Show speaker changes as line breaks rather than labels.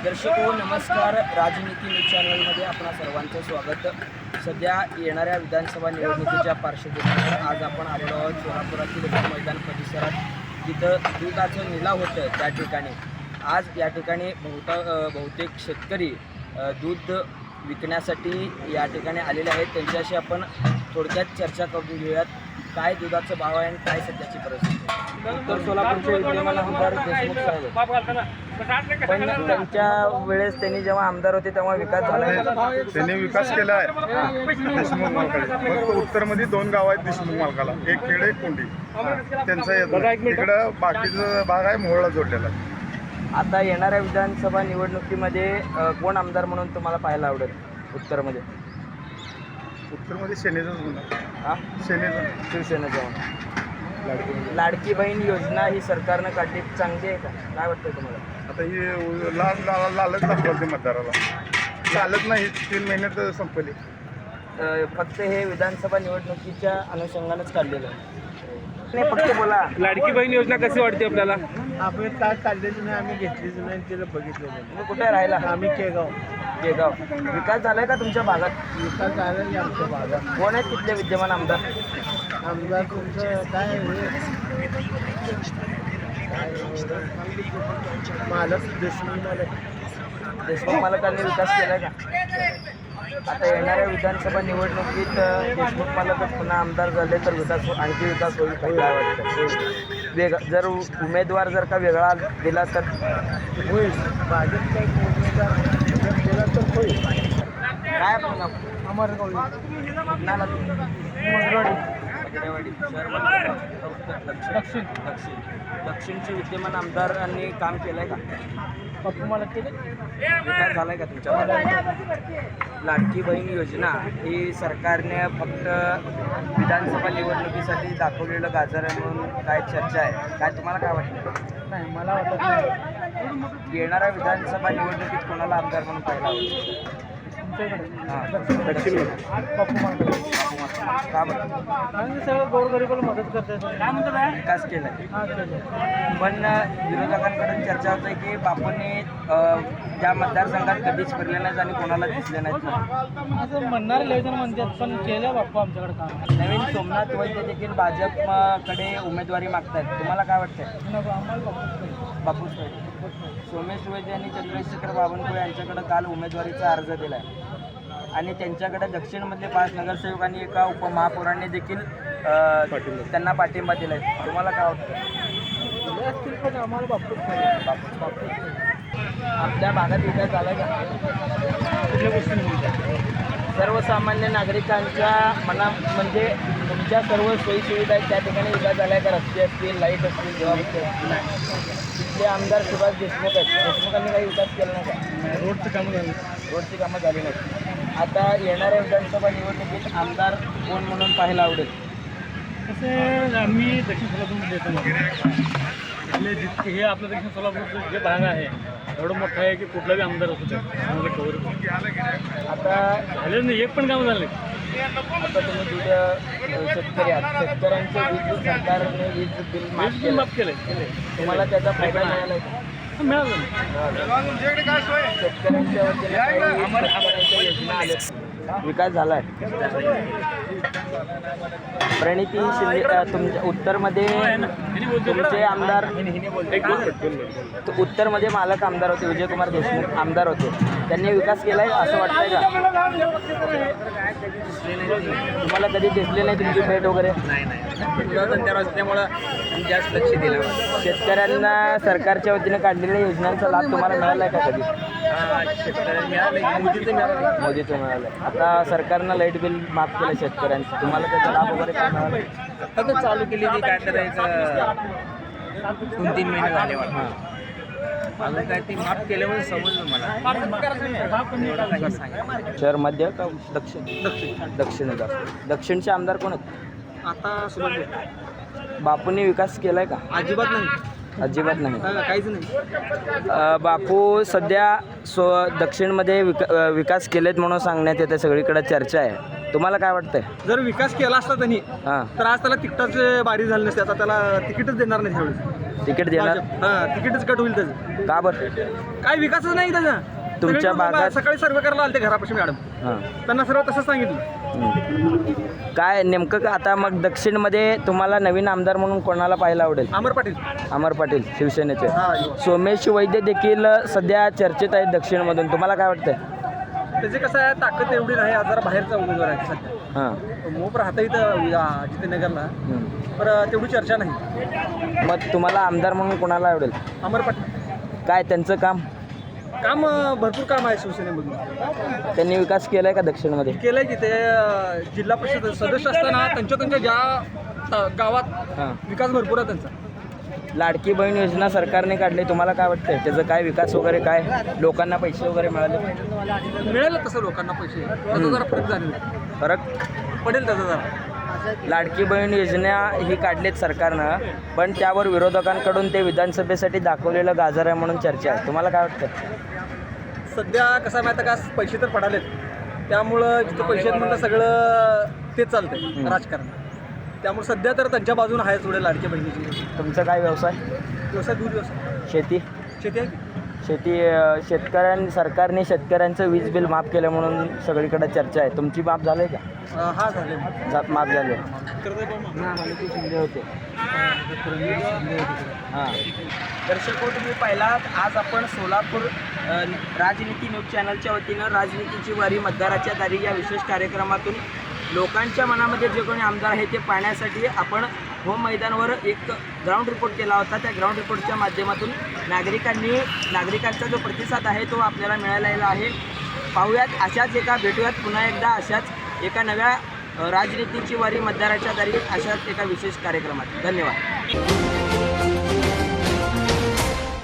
दर्शक हो नमस्कार. राजनीती न्यूज चॅनलमध्ये आपणा सर्वांचं स्वागत. सध्या येणाऱ्या विधानसभा निवडणुकीच्या पार्श्वभूमीवर आज आपण आलेलो आहोत सोलापुरातील मैदान परिसरात, जिथं दुधाचं निलाव होतं त्या ठिकाणी. आज या ठिकाणी बहुतेक शेतकरी दूध विकण्यासाठी या ठिकाणी आलेले आहेत. त्यांच्याशी आपण थोडक्यात चर्चा करून घेऊयात. काय दुधाचं भाव आहे आणि काय सध्याची परिस्थिती. उत्तर सोलापूरचे विद्यमान आमदार देशमुख साहेब, पण त्यांच्या वेळेस त्यांनी जेव्हा आमदार होते तेव्हा विकास झाला.
त्यांनी विकास केला आहे देशमुख मालकाने. फक्त उत्तरमध्ये 2 गाव आहेत देशमुख मालकाला, एक खेड एक कोंडी. त्यांचा इकडं बाकीचा भाग आहे मोहळा जोडलेला.
आता येणाऱ्या विधानसभा निवडणुकीमध्ये कोण आमदार म्हणून तुम्हाला पाहायला आवडेल उत्तरमध्ये?
उत्तरमध्ये सेनेचाच म्हणा.
हां,
सेनेचा,
शिवसेना जाऊन लाडकी बहीण योजना ही सरकारनं काढली, चांगली आहे का? काय वाटतं तुम्हाला?
आता ही लालच दाखवते मतदाराला. चालत नाही, 3 महिन्यात संपली.
फक्त हे विधानसभा निवडणुकीच्या अनुषंगानेच काढलेलं आहे. नाही, फक्त बोला.
लाडकी बहीण योजना कशी वाटते आपल्याला?
आपण काय काढलेली नाही, आम्ही घेतलीच नाही, तिला बघितलं नाही.
तुम्ही कुठे राहिला?
आम्ही केगाव.
विकास झालाय का तुमच्या भागात?
विकास झाला नाही आमच्या भागात.
कोण आहेत तिथले विद्यमान आमदार?
आमदार तुमचं काय मालक
देशमुख मालकांनी विकास केलाय का? आता येणाऱ्या विधानसभा निवडणुकीत देशमुख मालकच पुन्हा आमदार झाले तर आणखी विकास होईल का? काय वाटतं? जर उमेदवार जर का वेगळा दिला तर
होईल. भाजप काही उमेदवार दिला तर होईल.
काय आपण दक्षिणचे विद्यमान आमदारांनी काम केलंय का?
पप्पू मला केलं
विकास झालाय का तुमच्या भागात? लाडकी बहीण योजना ही सरकारने फक्त विधानसभा निवडणुकीसाठी दाखवलेलं गाजर आहे म्हणून काय चर्चा आहे. काय तुम्हाला काय वाटतं?
नाही, मला वाटत नाही.
येणाऱ्या विधानसभा निवडणुकीत कोणाला आमदार म्हणून पाहायला आवडेल?
दक्षिण पप्पू मला
का बरं?
आणि सगळं गोरगरिबाला मदत करतात.
विकास केलाय,
हां केलं.
पण विरोधकांकडून चर्चा होते की बापूंनी ज्या मतदारसंघात कधीच फिरले नाहीत आणि कोणाला दिसले नाहीत.
असं म्हणणारे लय जण म्हणतात, पण केलं बाप्पा आमच्याकडे काम.
नवीन सोमनाथ वैद्य देखील भाजपकडे उमेदवारी मागतायत. तुम्हाला काय वाटतंय?
आम्हाला
बापूस सोमेश वैद्य आणि चंद्रशेखर बावनकुळे यांच्याकडे काल उमेदवारीचा अर्ज दिला आहे आणि त्यांच्याकडे दक्षिणमधले 5 नगरसेवक आणि एका उपमहापौरांनी देखील त्यांना पाठिंबा दिला आहे. तुम्हाला काय वाटतं?
असतील पण आम्हाला बापूच
आपल्या भागात विकास झाला का?
कुठल्या गोष्टी
सर्वसामान्य नागरिकांच्या मना म्हणजे तुमच्या सर्व सोयीसुविधा आहेत त्या ठिकाणी विकास झाला आहे का? रस्ते असतील, लाईट असतील, जबाबदारी असतील. तिथले आमदार सुभाष देशमुख आहेत. देशमुखांनी काही विकास केला नाही का?
रोडचं कामं झालं.
रोडची कामं झाली नाहीत. आता येणाऱ्या विधानसभा निवडणुकीत आमदार कोण म्हणून पाहायला आवडेल?
तसे आम्ही दक्षिण सोलापूर देतो. इथले जितके हे आपलं दक्षिण सोलापूरचं जे भाग आहे एवढं मोठं आहे की कुठलाही आमदार असू शकतो.
आता
झाले नाही, एक पण काम झालं नाही.
आता तुम्ही दूध शेतकरी आहात. शेतकऱ्यांचे वीज सरकारने वीज बिल माफ केलं,
माफ केलं.
तुम्हाला त्याचा फायदा मिळाला आहे का?
मिळालं नाही.
शेतकऱ्यांच्या वतीने काही शेतकऱ्यांच्या योजना आल्या. विकास झाला आहे. प्रणिती शिंदे तुमच्या उत्तरमध्ये तुमचे आमदार उत्तरमध्ये मालक आमदार होते, विजयकुमार देशमुख आमदार होते. त्यांनी विकास केला आहे असं वाटतंय का? तुम्हाला कधी दिसले नाही तुमची भेट वगैरे? त्यामुळं जास्त लक्ष दिलं. शेतकऱ्यांना सरकारच्या वतीने काढलेल्या योजनांचा लाभ तुम्हाला मिळाला आहे का कधी? मोदीचं मिळालं. आता सरकारनं लाईट बिल माफ केलं शेतकऱ्यांचं. तुम्हाला त्याचा लाभ वगैरे काय मिळाला?
आता चालू केली ती काय करायचं 2-3 महिने झाले. अजून काय ती माफ केल्यामुळे समजलं मला.
शहर मध्य का दक्षिण? दक्षिण दक्षिणचे आमदार कोण आहेत?
आता सुरू
बापूंनी विकास केलाय का?
अजिबात नाही,
अजिबात नाही.
काहीच नाही.
बापू सध्या दक्षिणमध्ये विकास केलेत म्हणून सांगण्यात येते, सगळीकडे चर्चा आहे. तुम्हाला काय वाटतंय?
जर विकास केला असता त्यांनी
हां,
तर आज त्याला तिकिटाची बारी झाली नसते. आता त्याला तिकीटच देणार नाही त्यावेळेस.
तिकीट देणार?
हां, तिकीटच कट होईल त्याचं.
का बरं?
काय विकासच नाही त्याचा.
तुमच्या
सगळे लोकं
भागात-
सकाळी सर्वे करायला आले ते घरापाशी मॅडम,
हां,
त्यांना सर्व तसंच सांगितलं.
काय नेमकं आता मग दक्षिणमध्ये तुम्हाला नवीन आमदार म्हणून कोणाला पाहायला आवडेल?
अमर पाटील.
अमर पाटील शिवसेनेचे.
हां,
सोमेश वैद्य देखील सध्या चर्चेत आहेत दक्षिणमधून. तुम्हाला काय वाटतंय?
त्याची कसं आहे, ताकद एवढी नाही. आज जरा बाहेरचा उमेदवार आहे सध्या.
हां,
मोप राहता इथं जितेनगरला, पण तेवढी चर्चा नाही.
मग तुम्हाला आमदार म्हणून कोणाला आवडेल?
अमर पाटील.
काय त्यांचं काम
भरपूर काम आहे शिवसेनेमधून.
त्यांनी विकास केलाय का दक्षिणमध्ये?
केलंय की ते जिल्हा परिषद सदस्य असताना त्यांच्या ज्या गावात
हां,
विकास भरपूर आहे त्यांचा.
लाडकी बहीण योजना सरकारने काढली, तुम्हाला काय वाटतंय त्याचं काय विकास वगैरे, काय लोकांना पैसे वगैरे मिळाले?
मिळेल तसं लोकांना पैसे, त्याचा जरा फरक जाणवेल,
फरक
पडेल त्याचा जरा.
लाडकी बहीण योजना ही काढलीत सरकारनं, पण त्यावर विरोधकांकडून ते विधानसभेसाठी दाखवलेलं गाजर आहे म्हणून चर्चा आहे. तुम्हाला काय वाटतं?
सध्या कसं आहे माहिती आहे का, पैसे तर पडालेत, त्यामुळं जिथं पैसे आहेत म्हणलं सगळं तेच चालतंय राजकारण. त्यामुळे सध्या तर त्यांच्या बाजूने आहे थोडे लाडक्या बहिणीची.
तुमचा काय व्यवसाय?
व्यवसाय दूध व्यवसाय,
शेती?
शेती आहे की.
सरकारने शेतकऱ्यांचं वीज बिल माफ केलं म्हणून सगळीकडे चर्चा आहे. तुमची माफ झाली का?
हा झाले.
माफ झाले. शिंदे होते. हां, दर्शको तुम्ही पाहिलात, आज आपण सोलापूर राजनीती न्यूज चॅनलच्या वतीनं राजनीतीची वारी मतदाराच्या दारी या विशेष कार्यक्रमातून लोकांच्या मनामध्ये जे कोणी आमदार आहे ते पाहण्यासाठी आपण होम मैदानावर एक ग्राउंड रिपोर्ट केला होता. त्या ग्राउंड रिपोर्टच्या माध्यमातून नागरिकांचा जो प्रतिसाद आहे तो आपल्याला मिळालेला आहे. पाहूयात, अशाच भेटूयात पुन्हा एकदा अशाच एका नव्या राजनीतीची वारी मतदाराच्या दारी अशाच एका विशेष कार्यक्रमात. धन्यवाद.